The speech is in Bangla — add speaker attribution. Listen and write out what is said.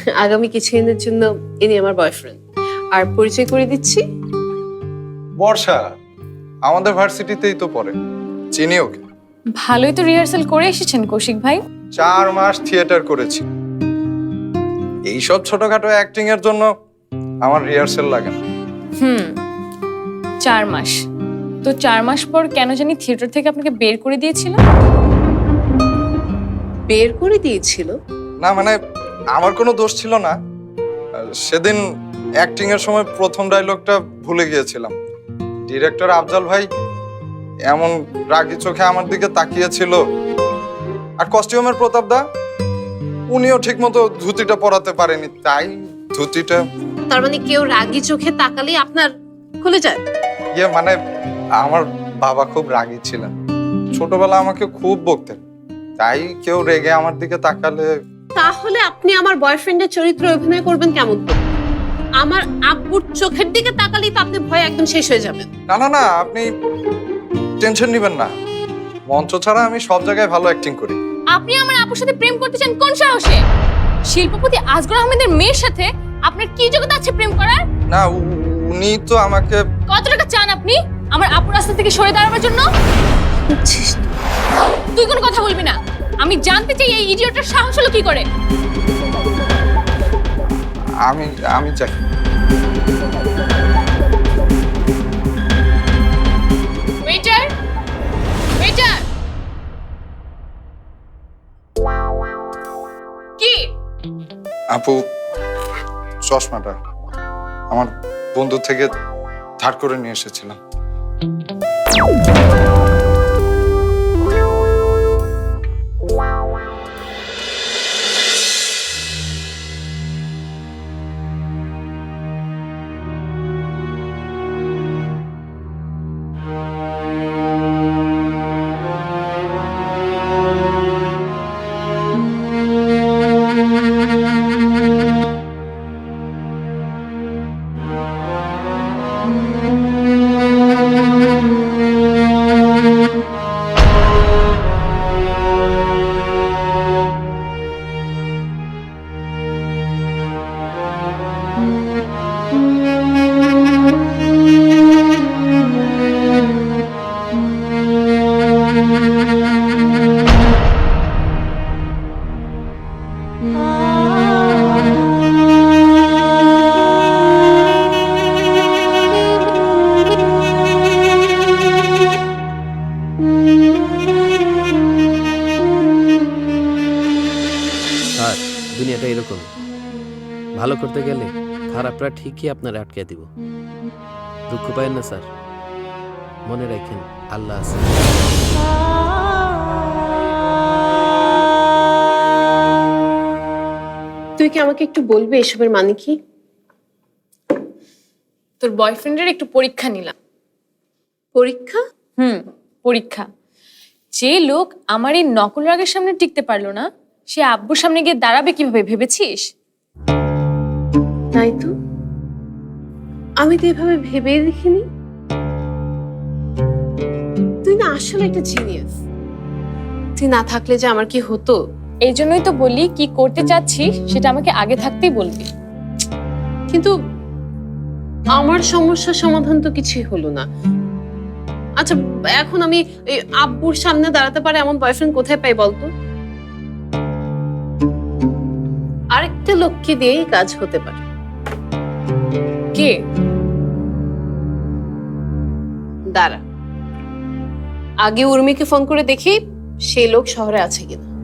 Speaker 1: আগামী কিছুদিনের জন্য ইনি আমার বয়ফ্রেন্ড। আর পরিচয় করে দিচ্ছি,
Speaker 2: বর্ষা আমাদের ভার্সিটিতেই তো পড়ে, চিনি ওকে।
Speaker 3: ভালোই তো রিহার্সাল করে এসেছেন কৌশিক ভাই।
Speaker 2: 4 মাস থিয়েটার করেছি। এইসব ছোটখাটো অ্যাক্টিং এর জন্য আমার রিহার্সাল লাগে না।
Speaker 3: 4 মাস তো 4 মাস পর কেন জানি থিয়েটার থেকে আপনাকে বের করে দিয়েছিল।
Speaker 1: বের করে দিয়েছিল?
Speaker 2: না মানে আমার কোনো দোষ ছিল না। সেদিন অ্যাক্টিং এর সময় প্রথম ডায়লগটা ভুলে গিয়েছিলাম। ডিরেক্টর আফজাল ভাই এমন রাগি চোখে আমার দিকে তাকিয়েছিল, আর কস্টিউমের প্রতাপ দা উনিও ঠিকমতো ধুতিটা পরাতে পারেনি, তাই ধুতিটা।
Speaker 1: তার মানে কেউ রাগি চোখে তাকালে আপনার খুলে যায়?
Speaker 2: মানে আমার বাবা খুব রাগী ছিলেন, ছোটবেলা আমাকে খুব বকতেন, তাই কেউ রেগে আমার দিকে তাকালে।
Speaker 1: তাহলে আপনি আমার বয়ফ্রেন্ডের চরিত্রে অভিনয় করবেন কেমন করে? আমার আব্বুর চোখের দিকে তাকালেই তো আপনি ভয় একদম শেষ হয়ে যাবেন।
Speaker 2: না না না, আপনি টেনশন নেবেন না, মঞ্চ ছাড়া আমি সব জায়গায় ভালো অ্যাক্টিং করি।
Speaker 3: আপনি আমার আপুর সাথে প্রেম করতে চান কোন সাহসে? শিল্পপতি আজগর আহমেদের মেয়ের সাথে আপনার কি যোগ্যতা আছে প্রেম করার?
Speaker 2: না, উনি তো আমাকে।
Speaker 3: কত টাকা চান আপনি আমার আপুর রাস্তা থেকে সরে দাঁড়ানোর জন্য? তুই কোনো কথা বলবি না। আমি জানতে চাই এই ইডিয়টের সাহস হলো কি করে।
Speaker 2: আমি চাই।
Speaker 3: ওয়েটার, ওয়েটার, কি?
Speaker 2: আপু, চশমাটা আমার বন্ধু থেকে ধার করে নিয়ে এসেছিলাম।
Speaker 4: দুনিয়াটা এরকম, ভালো করতে গেলে খারাপরা ঠিকই আপনার আটকে দিব। দুঃখ পায়েন না স্যার, মনে রাখেন আল্লাহ আছে।
Speaker 1: তুই কি আমাকে একটু বলবি এসবের মানে কি?
Speaker 3: তোর বয়ফ্রেন্ডের একটু পরীক্ষা নিলাম।
Speaker 1: পরীক্ষা?
Speaker 3: পরীক্ষা। যে লোক আমার এই নকল রাগের সামনে টিকতে পারলো না, সে আব্বুর সামনে গিয়ে দাঁড়াবে কিভাবে ভেবেছিস?
Speaker 1: তাই তো, আমি তো এভাবে ভেবে দেখিনি। তুই না আসলে একটা জিনিয়াস। তুই না থাকলে যে আমার কি হতো।
Speaker 3: এই জন্যই তো বলি, কি করতে চাচ্ছিস সেটা আমাকে আগে থাকতেই বলবি।
Speaker 1: কিন্তু আমার সমস্যার সমাধান তো কিছুই হলো না। আচ্ছা, এখন আমি এই আব্বুর সামনে দাঁড়াতে পারে এমন বয়ফ্রেন্ড কোথায় পাই বলতো? আরেকটা লোককে দিয়েই কাজ হতে পারে।
Speaker 3: কে?
Speaker 1: দাঁড়া, আগে উর্মিকে ফোন করে দেখি সেই লোক শহরে আছে কিনা।